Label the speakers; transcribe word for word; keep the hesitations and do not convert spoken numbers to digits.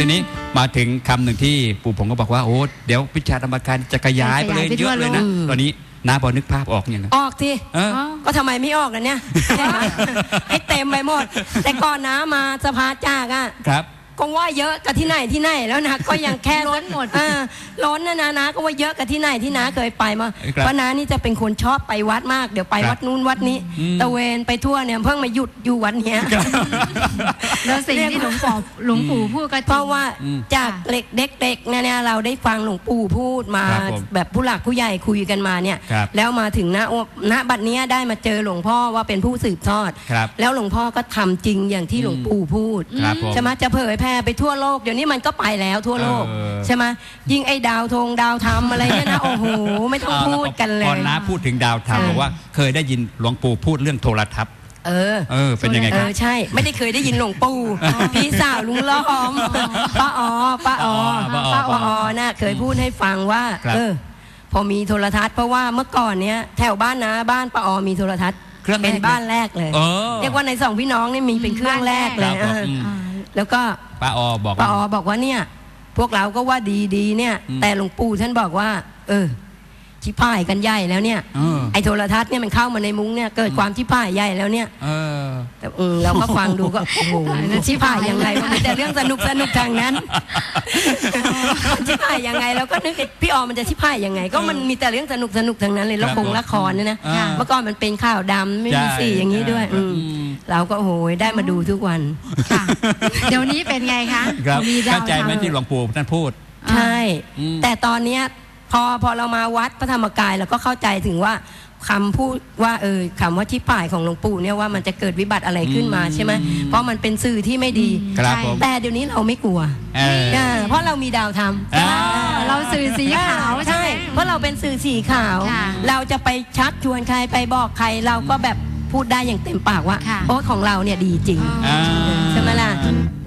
Speaker 1: ทีนี้มาถึงคำหนึ่งที่ปู่ผมก็บอกว่าโอ้เดี๋ยววิชาธรรมการจะขยายไปเลยเยอะเลยนะตอนนี้น้าพอนึกภาพออกยังไง
Speaker 2: ออกทีก็ทำไมไม่ออกกันเนี่ยให้เต็มไปหมดแต่ก่อนน้ามาสภาจากอ่ะ
Speaker 1: ครับ
Speaker 2: ก็ว่าเยอะกับที่ไหนที่ไหนแล้วนะก็ยังแค่
Speaker 3: ล้นหมด
Speaker 2: ล้นนะนะนะก็ว่าเยอะกับที่ไหนที่น้าเคยไปมาเพราะน้านี่จะเป็นคนชอบไปวัดมากเดี๋ยวไปวัดนู้นวัดนี้ตะเวนไปทั่วเนี่ยเพิ่งมาหยุดอยู่วันเนี้ย
Speaker 3: แล้วสิ่งที่หลวงปู่หลวงปู่พูดก็
Speaker 2: เพราะว่าจากเด็กเด็กๆเนี่ยเราได้ฟังหลวงปู่พูดมาแบบผู้หลักผู้ใหญ่คุยกันมาเนี่ยแล้วมาถึงณณบัดนี้ได้มาเจอหลวงพ่อว่าเป็นผู้สืบทอดแล้วหลวงพ่อก็ทำจริงอย่างที่หลวงปู่พูดใช่ไหมจะเผยแพร่ไปทั่วโลกเดี๋ยวนี้มันก็ไปแล้วทั่วโลกใช่ไหมยิ่งไอ้ดาวธงดาวธรรมอะไรเนี่ยนะโอ้โหไม่ต้องพูดกันเลย
Speaker 1: ตอนน้าพูดถึงดาวธรรมบอกว่าเคยได้ยินหลวงปู่พูดเรื่องโทรทัศน์
Speaker 2: เออ
Speaker 1: เออเป็นยังไงครับ
Speaker 2: ใช่ไม่ได้เคยได้ยินหลวงปู่พี่สาวลุงล้อมป้าอ๋อป้าอ๋อป้าอ๋อน่ะเคยพูดให้ฟังว่าเออพอมีโทรทัศน์เพราะว่าเมื่อก่อนเนี้ยแถวบ้านนะบ้านป้าอ๋อมีโทรทัศน์เป็นบ้านแรกเลยเรียกว่าในสองพี่น้องนี่มีเป็นเครื่องแรกเลยแล้วก็
Speaker 1: ป้าอ๋อบอก
Speaker 2: ป้าอ๋อบอกว่าเนี่ยพวกเราก็ว่าดีๆเนี่ยแต่หลวงปู่ท่านบอกว่าเออชิพ่ายกันใหญ่แล้วเนี่ยไอ้โทรทัศน์เนี่ยมันเข้ามาในมุ้งเนี่ยเกิดความชิพ่ายใหญ่แล้วเนี่ยแต่เราก็ฟังดูก็โอ้โหชิพ่ายยังไงมันมีแต่เรื่องสนุกสนุกทางนั้นชิพ่ายยังไงเราก็นึกพี่ออมันจะชิพ่ายยังไงก็มันมีแต่เรื่องสนุกสนุกทางนั้นเลยละครละครเนี่ยนะเมื่อก่อนมันเป็นข่าวดำไม่มีสีอย่างนี้ด้วยเราก็โอ้โหได้มาดูทุกวัน
Speaker 3: เดี๋ยวนี้เป็นไงคะ
Speaker 1: มีเข้าใจไหมที่หลวงปู่ท่านพูด
Speaker 2: ใช่แต่ตอนเนี้ยพอพอเรามาวัดพระธรรมกายเราก็เข้าใจถึงว่าคำพูดว่าเออคำว่าที่ป่ายของหลวงปู่เนี่ยว่ามันจะเกิดวิบัติอะไรขึ้นมาใช่ไหมเพราะมันเป็นสื่อที่ไม่ดีแต่เดี๋ยวนี้เราไม่กลัวเพราะเรามีดาวธรรม
Speaker 3: เราสื่อสีขาว
Speaker 2: ใช่เพราะเราเป็นสื่อสีขาวเราจะไปชักชวนใครไปบอกใครเราก็แบบพูดได้อย่างเต็มปากว่าโอ้ของเราเนี่ยดีจริงใช่ไหมล่ะ